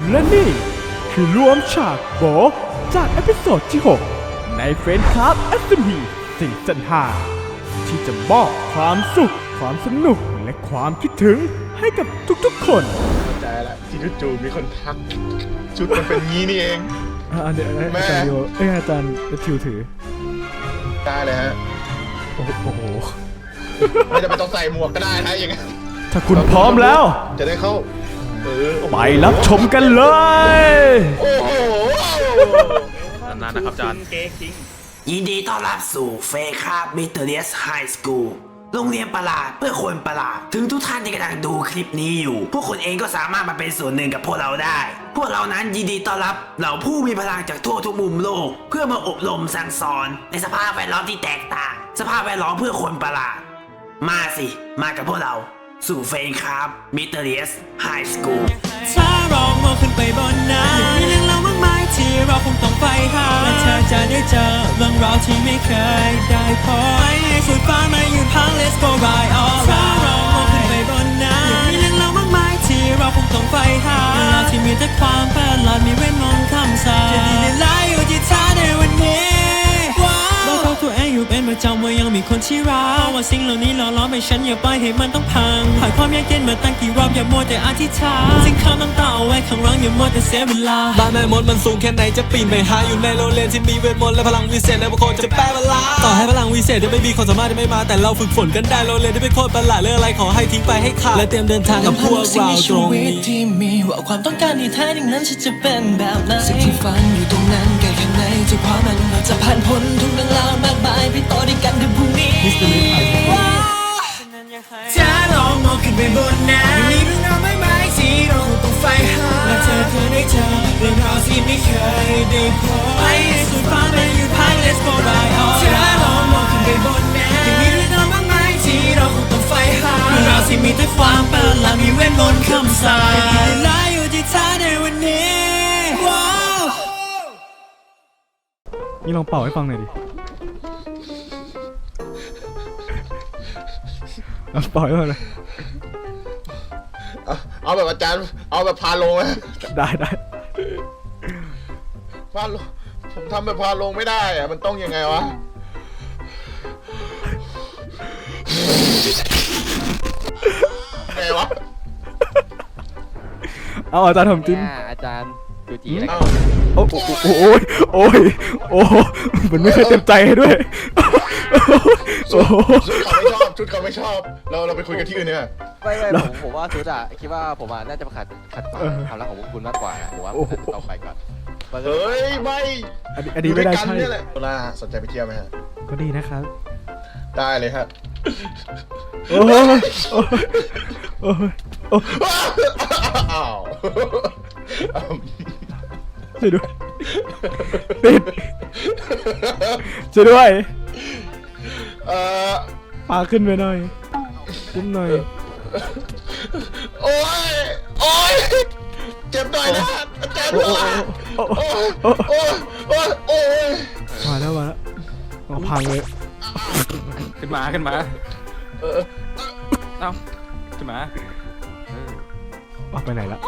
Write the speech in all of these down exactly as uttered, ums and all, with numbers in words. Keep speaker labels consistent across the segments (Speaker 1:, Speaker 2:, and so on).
Speaker 1: และนี่คือรวมฉากโบจากเอพิโซดที่หกในเฟรนด์คลับ เอส เอ็ม พี ซีซั่นห้าที่จะมอบความสุขความสนุกและความคิดถึงให้กับทุกๆคน
Speaker 2: เข้าใจละที่จู่ๆมีคนทักชุดมันเป็นงี้นี่เอง
Speaker 1: อ่าเดี๋ยวอาจารย์ดิวเอ้ยอาจารย์ทิวถือ
Speaker 2: ได้เลยฮะ
Speaker 1: โอ้โห
Speaker 2: ไม่จะไปต้องใส่หมวกก็ได้นะอย่างเงี้ย
Speaker 1: ถ้าคุณพร้อมแล้ว
Speaker 2: จะได้เข้า
Speaker 1: ไปรับชมกันเลย
Speaker 2: โอ้โห
Speaker 3: นานๆนะครับอาจารย์
Speaker 4: ยินดีต้อนรับสู่เฟคาบิเตเรียสไฮสคูลโรงเรียนประหลาดเพื่อคนประหลาดถึงทุกท่านที่กำลังดูคลิปนี้อยู่พวกคุณเองก็สามารถมาเป็นส่วนหนึ่งกับพวกเราได้พวกเรานั้นยินดีต้อนรับเหล่าผู้มีพลังจากทั่วทุกมุมโลกเพื่อมาอบรมสั่งสอนในสภาพแวดล้อมที่แตกต่างสภาพแวดล้อมเพื่อคนประหลาดมาสิมากับพวกเราสู่เฟนครับมิเตอร์เรียสไฮสคูล
Speaker 5: ถ้าเรามองขึ้นไปบนนั้นยังมีเรื่องเล่ามากมายที่เราคงต้องไปหาและเธอจะได้เจอเรื่องราวที่ไม่เคยได้พบไปให้สุดฟ้ามายืนพัง Let's go ride all ถ้าเรามองขึ้นไปบนนั้นยังมีเรื่องเล่ามากมายที่เราคงต้องไปหาเรื่องราวที่มีแต่ความประหลาดมีเวทมนต์คำสาปจะดีในไลฟ์อยู่ที่เธอในวันนี้บอกกับตัวเองอยู่เป็นประจำว่ายังมีคนที่รักว่าสิ่งเหล่านี้หล่อล้อมให้ฉันอย่าปล่อยให้มันต้องพังผ่านความยากเย็นมาตั้งกี่รอบอย่ามัวแต่อธิษฐานสิ่งข้าวน้ำตาเอาไว้ข้างหลังอย่ามัวแต่เสียเวลา
Speaker 6: บ้านแม่มดมันสูงแค่ไหนจะปีนไปหาอยู่ในโรงเรียนที่มีเวทมนต์และพลังวิเศษและบางคนจะแปลเวลาต่อให้พลังวิเศษจะไม่มีคนสามารถจะไม่มาแต่เราฝึกฝนกันได้โรงเรียนที่เป็นโคตรประหลาดเรื่องอะไรขอให้ทิ้งไปให้ขาดและเตรียมเดินทางกับพวกเราตรงนี้
Speaker 5: ที่มีว่าความต้องการที่แท้จริงนั้นฉันจะเป็นแบบไหนสิ่งที่ฝันอยู่ตรงนั้นแก่ข้างในจะพามันเราจะผ่านพ้นทุกเรื่องราวมากมายไปต่อด้วยกันในพรุ่งนี้ถ้าเรามองขึ้นไปบนนั้นมีเรื่องราวมากมายที่เราต้องไฟหาและเธอเธอได้เจอเรื่องราวที่ไม่เคยได้พบไปให้สุดฟ้าไปอยู่ภาย Let's go ride on ถ้าเรามองขึ้นไปบนนั้นยังมีเรื่องราวมากมายที่เราคงต้องไฟหาเรื่องราวที่มีแต่ความประหลาดมีเวทมนต์คำสาปจะดีและอยู่ที่เธอในวันนี้ว้าว
Speaker 1: นี่ลองเป่าให้ฟังหน่อยดิปล่อยมาเลย
Speaker 2: เอาแบบอาจารย์เอาแบบพาลงไหม
Speaker 1: ได้ได้
Speaker 2: พาลงผมทำแบบพาลงไม่ได้อะมันต้องยังไงวะไงวะ
Speaker 1: เอาอาจารย์ทำจิ้ม
Speaker 3: อาจารย์ดูจีแล้ว
Speaker 1: โอ้โอ้โอ้ยโอ้ยโอ้มันไม่เคยเต็มใจให้ด้วย
Speaker 2: ชุดเขาไม่ชอบชุดเขาไม่ชอบเราเราไปคุยกันที่อื่นเนี่ย
Speaker 3: ไม่ไม่ผมผมว่าชุดอ่ะคิดว่าผมอ่ะน่าจะมาขัดขัดขวางความรักของคุณมากกว่าผมว่าต้องไปก่อน
Speaker 2: เฮ้ยไม่
Speaker 1: อันนี้ไม่ได้ใช่
Speaker 2: โซล่าสนใจไปเที่ยวไหมฮะ
Speaker 1: ก็ดีนะครับ
Speaker 2: ได้เลยครับ
Speaker 1: โอ้ยโอ้ยโอ้ยโอ้ย
Speaker 2: อ้าว
Speaker 1: ช่วยด้วยติดช่วยด้วย
Speaker 2: เอ่อ
Speaker 1: พาขึ้นไปหน่อยขึ้นหน่อย
Speaker 2: โอ้ยโอ้ยเจ็บหน่อยนะอาจารย์โอ้ยโอ้ยโอ้ยโอ้ยโอ้ย
Speaker 1: มาแล้วมาแล้วเอาพังเลย
Speaker 3: ขึ้นมาขึ้นมาเออเอ้าขึ้นมา
Speaker 1: เอาไปไหนละ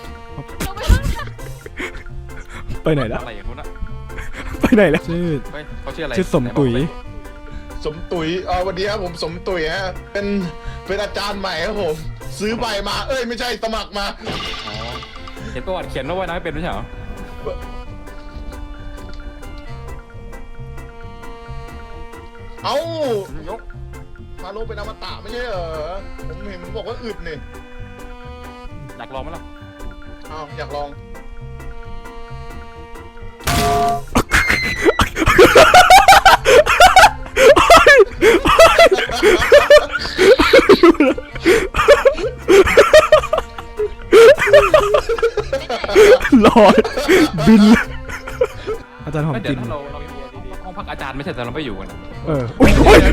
Speaker 1: ไปไหนละ
Speaker 3: อะไรอย่างนู้นอะ
Speaker 1: ไปไหนละชื่อ
Speaker 3: เขาชื่ออะไร
Speaker 1: ชื่อสมตุ๋ย
Speaker 2: สมตุ๋ยอ๋อวันนี้ครับผมสมตุ๋ยฮะเป็นเป็นอาจารย์ใหม่ครับผมซื้อใบมาเอ้ยไม่ใช่สมัครมา
Speaker 3: อ๋อเห็นประวัติเขียนว่าว่ายน้ำไม่เป็นไม่ใช่เหรอ
Speaker 2: เอ้ายกพาโลเป็นอมตะไม่ใช่เหรอผมเห็นมันบอกว่าอึดนี่
Speaker 3: อยากลองไหมล่ะ
Speaker 2: อ้าวอยากลอง
Speaker 1: ลอยบินอาจารย์หอมกิน
Speaker 3: เราเราห้องพักอาจารย์ไม่ใช่แต่เราไม่อยู่กัน
Speaker 1: เออโอ้ยโอ้ย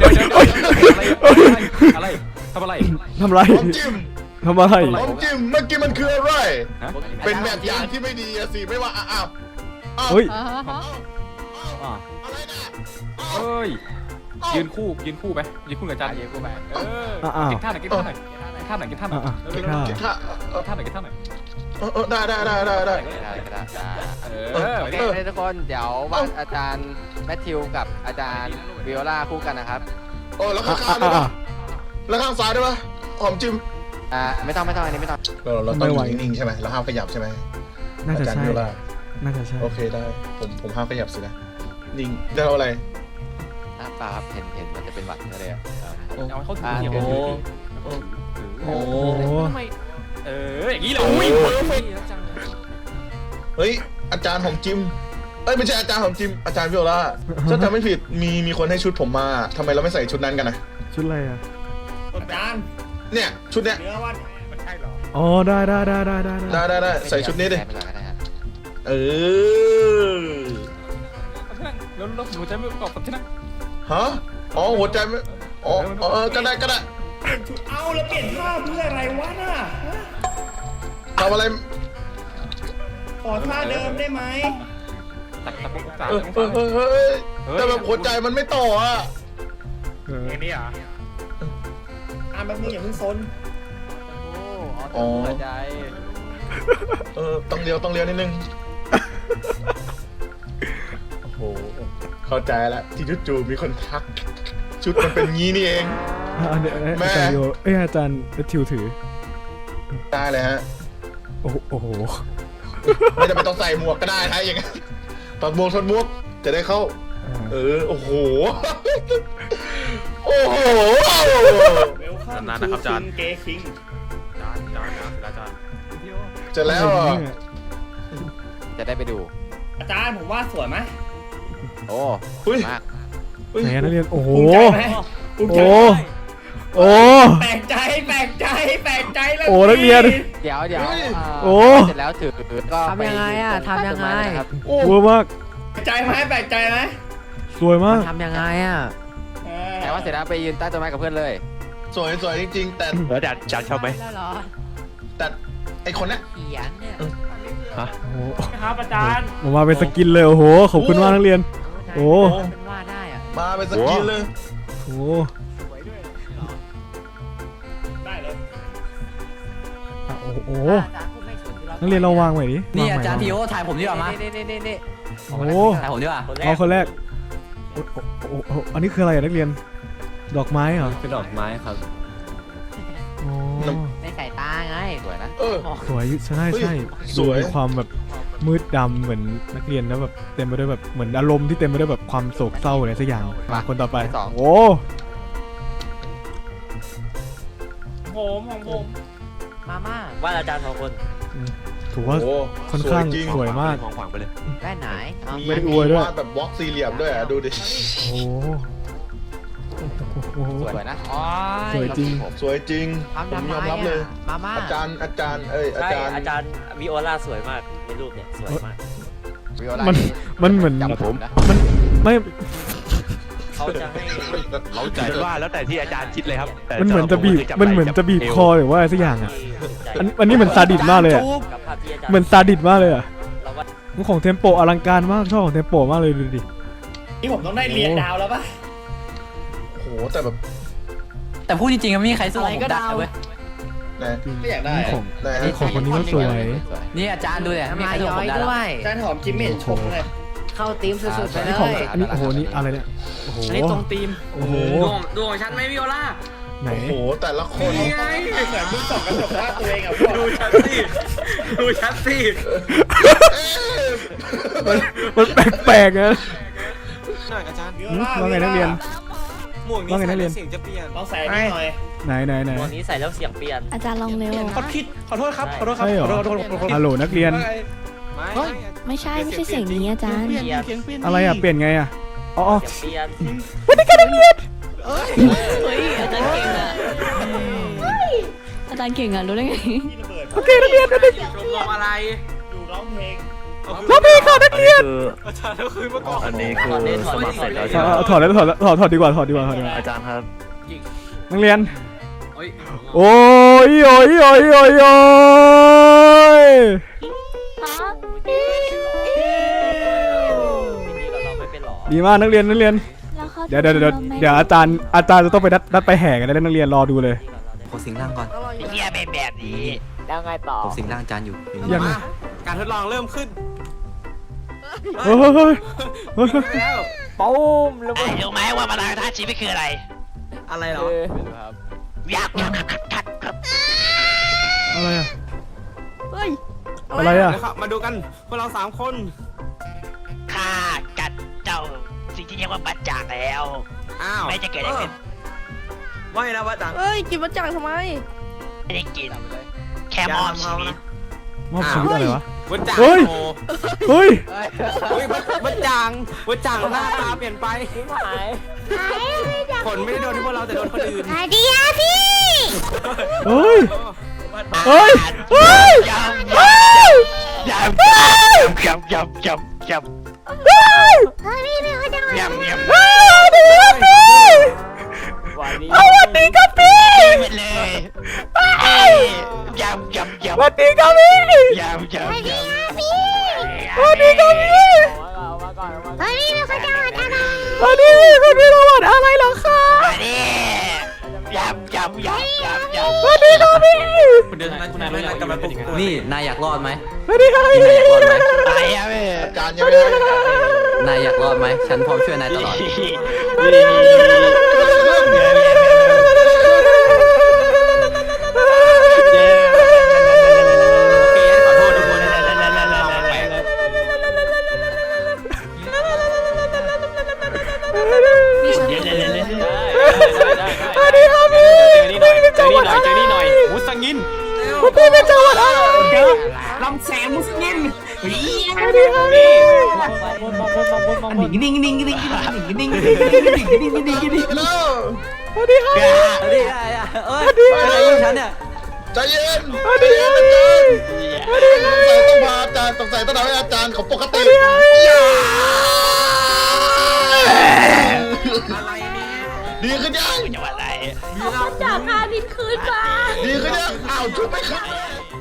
Speaker 3: อะไรทำอะไร
Speaker 1: ทำอะไรทำอะไร
Speaker 2: หอมจิ้มเมื่อกี้มันคืออะไรเป็นแบบอย่างที่ไม่ดีสิไม่ว่าอ้าว
Speaker 1: เฮ้ย
Speaker 2: อะไรนะ
Speaker 3: เฮ้ยยืนคู่ยืนคู่ไปยืนคู่กับอาจารย์ยืนคู่ไปเออกินท่าไหนกินท่าไหนท่าไหนกินท่าไหนกินท่าไหนกินท่าไหนกินท่าไหน
Speaker 2: เออเออได้ได้ได้ได้ได้
Speaker 3: ได้ได้ได้
Speaker 2: เออ
Speaker 3: โอเค
Speaker 2: เออ
Speaker 3: ทุกคนเดี๋ยวว่าอาจารย์แมทธิวกับอาจารย์วิโอลาคู่กันนะครับ
Speaker 2: โอ้แล้วข้าง
Speaker 1: อ่ะ
Speaker 2: ๆได้
Speaker 1: อ่ะ
Speaker 2: ปะแล้วข้างซ้ายได้ปะหอมจิ้ม
Speaker 3: อ่าไม่ต้องไม่ต้องอันนี้ไม่ต้อง
Speaker 2: เราเราต้องอยู่นิ่งๆใช่ไหมเราห้ามขยับใช่ไหม
Speaker 1: น่าจะ
Speaker 2: อาจารย์
Speaker 1: ใช่
Speaker 2: วิโอลา
Speaker 1: น่าจะใช่
Speaker 2: โอเคได้ผมผมห้ามขยับสินะนิ่งได้เอาอะไร
Speaker 3: อ่ะเปล่าครับเห็นเห็นมันจะเป็นหวัดก็เลยอ่ะ
Speaker 7: เอาเขาถือ
Speaker 3: อ่า
Speaker 7: เดี๋ยว
Speaker 3: โอ้
Speaker 1: โอ้
Speaker 7: เอออย่างนี้เหรออุ้ยเพอร์เฟกต์
Speaker 2: เฮ้ยอาจารย์หอมจิ้มเอ้ยไม่ใช่อาจารย์หอมจิ้มอาจารย์วิโอลาถ้าจำไม่ผิดมีมีคนให้ชุดผมมาทำไมเราไม่ใส่ชุดนั้นกันนะ
Speaker 1: ชุดอะไรอ่ะ
Speaker 7: อาจารย์
Speaker 2: เนี่ยชุดเนี้ย
Speaker 7: เนื้อวันมันใช่เหรอ
Speaker 1: อ๋อได้ได้ได้ได้ได้
Speaker 2: ได้ได้ได้ใส่ชุดนี้ดิ
Speaker 3: ไปก่อนก็ได้ครับ
Speaker 2: เออ
Speaker 7: เอาที่นั่งแล้วแล้วหนูจะไม่ประกอบกับที่นั่ง
Speaker 2: ฮะอ๋อหัวใจไม่อ๋ออ๋อเออก็ได้ก็ได้
Speaker 7: เปลี่ยนชุดเอาแล้วเปลี่ยนผ้าเพื่ออะไรวะน่ะ
Speaker 2: ทำอะไร
Speaker 7: ขอท่าเดิมได้ไหมตักตะปุกตา
Speaker 2: เออเออเออเออเออแต่แบบหัวใจมันไม่ต่ออ่ะ
Speaker 1: เออ
Speaker 7: อย่างนี้เหรออ่ะแบบนี้อย่าเพิ่งซน
Speaker 3: โอ้อ๋อหัวใจ
Speaker 2: เออต้องเลี้ยวต้องเลี้ยวนิดนึงโอ้โหเข้าใจแล้วที่จู่ๆมีคนทัก ชุดมันเป็นงี้นี่เอง
Speaker 1: อ่ะอันเนี้ย
Speaker 2: แม่
Speaker 1: อาจารย์โยเอ้ยอาจารย์ทิวถือ
Speaker 2: ได้เลยฮะ
Speaker 1: โอ้โหโอ้โห
Speaker 2: ไม่จำเป็นต้องใส่หมวกก็ได้ถ้าอย่างนั้นถอดหมวกถอดหมวกจะได้เข้า เออโอ้โหโอ้โห
Speaker 7: เวลคัมทูคิงเกคิงจานจานอาจารย์
Speaker 2: เจะแล้วอ่ะ
Speaker 3: จะได้ไปดู
Speaker 7: อาจารย์ผมว่าสวยไหม
Speaker 3: โอ้
Speaker 2: อุ้ย
Speaker 3: มาก
Speaker 2: อุ้ย
Speaker 1: ไหนอะนักเรียนโอ้โห
Speaker 7: ภูมิใจไหมภูมิใจ
Speaker 1: โอ้
Speaker 7: ไหม
Speaker 1: โอ้
Speaker 7: แปลกใจแปลกใจแปลกใจแล้ว
Speaker 1: โอ้นักเรียน
Speaker 3: เดี๋ยวเดี๋ยวา
Speaker 1: โอ้
Speaker 3: เสร็จแล้วถือก็
Speaker 8: ทำยังไงอะ
Speaker 3: ป
Speaker 8: ทำยังไง
Speaker 3: ต้นม้นะครับ
Speaker 2: โอ้
Speaker 1: เวอร์มาก
Speaker 7: แปลกใจไหมแปลกใจไหม
Speaker 1: สวยมาก
Speaker 8: ทำยังไงอ่ะ
Speaker 3: แต่ว่าเสร็จแล้วไปยืนใต้ต้นไม้กับเพื่อนเลย
Speaker 2: สวยสวยจริงๆ แต่
Speaker 9: แล้วอาจารย์อาจารย์ชอบไหม
Speaker 8: แล้วเหรอ
Speaker 2: แต่ไอคนเนี้ย
Speaker 8: เขียนเนี่ย
Speaker 1: โอ้โห
Speaker 7: ครับอาจารย์
Speaker 1: ผมมาเป็นสกินเลยโอ้โหขอบคุณมากนักเรียน โอ้
Speaker 8: เป็นว่าได้อ่ะ
Speaker 2: มาเป็นสกินเลย
Speaker 1: โห
Speaker 7: ได้เลย
Speaker 1: อ่ะโอ้โหนักเรียนเราวางไว้ดิ
Speaker 8: นี่
Speaker 1: วง
Speaker 8: อา
Speaker 1: ไว้
Speaker 8: จารย์พีโอถ่ายผมดีกว่ามา
Speaker 3: นี่นี่นี่นี่
Speaker 1: โอ้โห
Speaker 8: ถ่ายผมดีกว่า
Speaker 1: เอาคนแรกโอ้โหโอ้โหอันนี้คืออะไรอะนักเรียนดอกไม้เหรอ
Speaker 6: เป็นดอกไม้ครับ
Speaker 1: อ๋อ
Speaker 8: ในสายตาไง
Speaker 3: สวยนะ
Speaker 2: เออ
Speaker 1: สวยใช่ใช่
Speaker 2: สวย
Speaker 1: มีความแบบมืดดำเหมือนนักเรียนแล้วแบบเต็มไปด้วยแบบเหมือนอารมณ์ที่เต็มไปด้วยแบบความโศกเศร้าอะไรสักอย่างมาคนต่อไปโอ้
Speaker 7: ผมของผม
Speaker 8: มาม่า
Speaker 9: ว่าอาจารย์สองคน
Speaker 1: ถือว่า
Speaker 2: โอ้
Speaker 1: ค่อนข้าง
Speaker 2: สวยจริง
Speaker 1: สวยมาก
Speaker 9: ของขวางไปเลย
Speaker 8: แว่นไหนเอา
Speaker 2: มี
Speaker 1: ไม่ได้อวยด้วย
Speaker 2: วาดแบบบล็อกสี่เหลี่ยมด้วยอ่ะดูดิ
Speaker 1: โอ้โหโอ้โห
Speaker 3: สวยนะ
Speaker 8: โอ้
Speaker 1: สวย
Speaker 8: ย
Speaker 1: จริง
Speaker 2: สวยจริง
Speaker 8: ทำ
Speaker 2: ผ
Speaker 8: ทำ
Speaker 2: ม
Speaker 8: ไม
Speaker 2: ยอมรับเลย
Speaker 8: อ่ะมาม่า
Speaker 2: อาจารย์อาจารย์เอ้ยอา
Speaker 9: ใช่
Speaker 2: จารย์
Speaker 9: อาจารย์วิโอลาสวยมากในรูปเนี่ยสวยมาก
Speaker 3: วิโอลา
Speaker 1: มันมันเหมือน
Speaker 3: จับผมนะ
Speaker 1: มันไม่
Speaker 9: เขาจะให้
Speaker 2: เราใจ
Speaker 9: แต่ว่าแล้วแต่ที่อาจารย์คิดเลยครับแต่
Speaker 1: มันเหมือนจะบีบ
Speaker 9: สำหรับผ
Speaker 1: มันเหมือนจะบีบคอหรือว่าอะไรสักอย่างอ่ะอันอันนี้เหมือนซาดิสมากเลยอ่ะ
Speaker 9: กับภาพที่อาจารย์
Speaker 1: เหมือนซาดิสมากเลยอ่ะ
Speaker 9: เราว่า
Speaker 1: มันของเทมโปอลังการมากชอบของเทมโปมากเลยดูดิ
Speaker 7: นี่ผมต้องได้เรียนดาวแล้วป่ะ
Speaker 2: โอ้โหแต่แบบ
Speaker 8: แต่พูดจริงๆไม่มีใครสู้ผมได้เว้ย
Speaker 2: นะ
Speaker 7: ไม่อยากได้
Speaker 1: นี่ของ
Speaker 2: นะ
Speaker 1: นี่ของคนนี้ก็สวย
Speaker 8: นี่อาจารย์ดูเนี่ยไม่มีใครสู้ผมได้
Speaker 7: อาจารย์หอมจิมเมนชมเลย
Speaker 8: เข้าทีมสุดๆไปเล
Speaker 1: นี่ของ
Speaker 8: ย
Speaker 1: อันนี้โอ้โหนี่อะไรเนี่ยโอ้โห
Speaker 7: อันนี้ตรงทีม
Speaker 1: โอ้โห
Speaker 7: ดูของฉันไหมวิโอลา
Speaker 1: ไหน
Speaker 2: โอ้โหแต่ละคน
Speaker 7: นี่ไงเหมือนมึงส่องกระจกว่าตัวเองอ่ะพวกดูฉันสิดูฉันสิ
Speaker 1: มันมันแปลกๆนะ
Speaker 6: หน่อยอาจารย์
Speaker 7: วิโอ
Speaker 1: หืม
Speaker 7: ลา
Speaker 1: ว่าไงนักเรียน
Speaker 6: หมวกนี้
Speaker 1: ว่าไงนั
Speaker 6: ใส่
Speaker 1: กเรี
Speaker 6: แล้
Speaker 1: ยน
Speaker 6: วเสียงจะเปลี่ยน
Speaker 7: ลองใส่อันนี้หน่อย
Speaker 1: ไหนไหนไหน
Speaker 9: วันนี้ใส่แล้วเสียงเปลี่ยน
Speaker 10: อาจารย์ลองเร็ว
Speaker 6: ขอผิดขอโทษครับขอโทษครับ
Speaker 1: ใช่เหรอ
Speaker 6: ขอโทษขอโทษขอโทษ
Speaker 1: ฮัลโหลนักเรียน
Speaker 6: ไม่
Speaker 10: เฮ้ย ไม่ใช่ไม่ใช่เสียงนี้อาจารย์
Speaker 9: เปลี่ยน
Speaker 1: อะไรอ่ะเปลี่ยนไงอ่ะอ๋ออ๋อ
Speaker 9: เสียงเปลี่ยน
Speaker 10: เฮ้ยอาจารย์เก่งอ่ะอาจารย์เก่งอ่ะรู้ได้ไง
Speaker 7: ที่ระเบิด
Speaker 1: โอเคนักเรียนนักเรียน
Speaker 7: ชมรมอะไรดูร้องเพลง
Speaker 1: ร้องเพลงค่ะนักเรียน
Speaker 6: อาจารย์ก็คืนมาก่อน
Speaker 9: อันนี้คือสมัครเสร็จแล้ว
Speaker 1: เอาเอาถอดแล้วถอดแล้วถอดถอดดีกว่าถอดดีกว่าถอดดีกว่า
Speaker 9: อาจารย์ครับ
Speaker 1: นักเรียนโอ้ยโอ้ยโอ้ยโอ้ยโอ้ย
Speaker 9: ทีนี้เราไม่เป็นหรอ
Speaker 1: ดีมากนักเรียนนักเรียน
Speaker 10: แล้วเขา
Speaker 1: เดี๋ยวเดี๋ยวเดี๋ยวเดี๋ยวอาจารย์อาจารย์จะต้องไปนัดนัดไปแห่กันแล้วนักเรียนรอดูเลย
Speaker 8: ขอสิงร่างก่อน
Speaker 9: เฮียเป็นแบบนี้
Speaker 10: แล้วไงต่อ
Speaker 8: ผมสิงร่างอาจารย์อยู่
Speaker 1: ยังไง
Speaker 6: การทดลองเริ่มขึ้น
Speaker 1: เฮ้ยเฮ้ยเฮ้ยเฮ้ย
Speaker 6: แล้ว
Speaker 10: ปุ้มแล้วมัน
Speaker 4: รู้ไหมว่าพลังท่าชีวิตคืออะไร
Speaker 6: อะไรเหรอ
Speaker 4: อยากอยากขัดขัดครับ
Speaker 1: อะไรอะ
Speaker 10: เฮ้ย
Speaker 1: อะไรอะ
Speaker 6: นะครับมาดูกันพวกเราสามคน
Speaker 4: ข้ากัดเจ้าสิ่งที่เรียกว่าบัจจากแล้ว
Speaker 6: อ้าว
Speaker 4: ไม่จะเกิดอะไรขึ้น
Speaker 6: ไม่นะว่าจัง
Speaker 10: เฮ้ยกินมาจังทำไม
Speaker 4: ไม่ได้กินแค่มอบชีวิต
Speaker 1: มอบชีวิตอะไรวะ
Speaker 6: วัดจัง
Speaker 1: เฮ้ย
Speaker 6: โอ้
Speaker 1: เฮ้ย
Speaker 6: เฮ้ยวัดจังวัดจังหน้าตาเปลี่ยนไป
Speaker 10: หาย
Speaker 6: ผลไม่ได้โดนที่พวกเราแต่โดนคนอื่น
Speaker 1: เฮ้ย เฮ้ย เฮ้ย
Speaker 4: ยำยำยำยำยำยำยำยำยำ
Speaker 10: วันนี้
Speaker 1: เอาวันนี้ครับพี่
Speaker 4: ไปเลยยำยำยำ
Speaker 1: วันนี้ครับพี่
Speaker 4: ยำยำยำ
Speaker 1: วันนี้ครับพี่
Speaker 10: เอามาก่อนเอามาก่อน
Speaker 1: วันนี้มีคนมีรางวัลอะไรเหรอคะ
Speaker 4: มาดิยำยำยำยำยำ
Speaker 1: วันนี้ครับพี่
Speaker 6: คุณเดินคุณนายไม่รักกันมาปลุกตัว
Speaker 8: นี่นายอยากรอดไหม
Speaker 1: วันนี้ครับ
Speaker 8: นี่
Speaker 1: พี่
Speaker 8: นายอยากรอดไหม
Speaker 4: ไปอะแม่
Speaker 2: อาจารย์ยังไม่ได้
Speaker 8: นายอยากรอดไหมฉันพร้อมช่วยนายตลอด
Speaker 6: ขอโทษทุกคนนะแปลก
Speaker 1: วันนี้ครับพี่
Speaker 6: เจอนี่หน่อยเจอนี่หน่อยมุสงิน
Speaker 1: วันนี้เป็นจังหวัดอะไร
Speaker 6: ลำแสงมุสงิน
Speaker 1: วันนี้ครับพี่
Speaker 8: นิ่งนิ่งนิ่งนิ่งนิ่งนิ่งนิ่งนิ่งนิ่งนิ่งนิ่งนิ่งนิ่งนิ่ง
Speaker 2: แล้ว
Speaker 1: วันนี้ครับ
Speaker 8: เฮ้ยเอ้ยอะไรอยู่ฉันเนี่ย
Speaker 2: ใจเย็นใจเย็นอาจารย์สงสัยต้องพาอาจารย์สงสัยต้องทำให้อาจารย์เขาปกติอย่าดีขึ้นยัง
Speaker 4: จังหวัดอะไร
Speaker 10: จากพานินคืนมา
Speaker 2: ดีขึ้นยังอ้าวชุบไม่ขึ้นเลย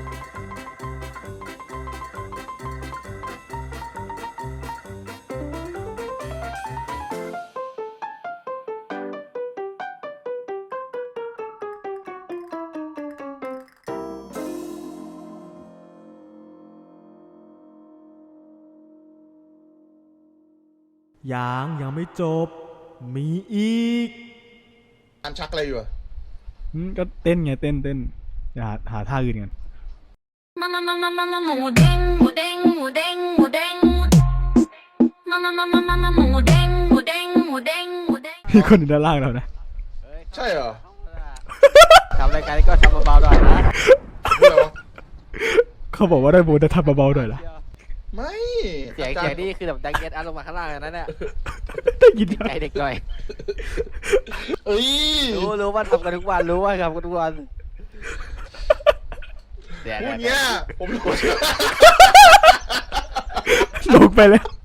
Speaker 1: ยังยังไม่จบ มีอีก
Speaker 2: อันชักอะไรอยู่อะ
Speaker 1: อืมก็เต้นไงเต้นเต้นเดี๋ยวหาหาท่าอื่นกัน
Speaker 5: มามามามามามาหมูเด้งหมูเด้งหมูเด้งหมูเด้งมามามามามามาหมูเด้งหมูเด้งหมูเด้งหมูเด้ง
Speaker 1: มีคนอยู่ด้านล่างเรานะ
Speaker 2: ใช่เหรอ
Speaker 3: ทำรายการนี้ก็ทำเบาๆหน่อยนะ
Speaker 2: พูดอะไรวะ
Speaker 1: เขาบอกว่าได้โบนจะทำเบาๆหน่อยละ
Speaker 2: ไม่
Speaker 3: เสียง
Speaker 2: อาจาร
Speaker 3: เสียง
Speaker 2: ย์
Speaker 3: นี่คือแบบดังเก็ตอัพลงมาข้างล่างเลยนะเนี่ย
Speaker 1: ได้ยินไหม
Speaker 3: ใจเด็กหน่อย
Speaker 2: เอ้ย
Speaker 3: รู้รู้ว่าทำกันทุกวันรู้ว่าทำกันทุกวันเดี๋ยว
Speaker 2: พูด
Speaker 3: เดี๋ยว
Speaker 2: เนี้ยผมรู้
Speaker 1: ลงไปแล้ว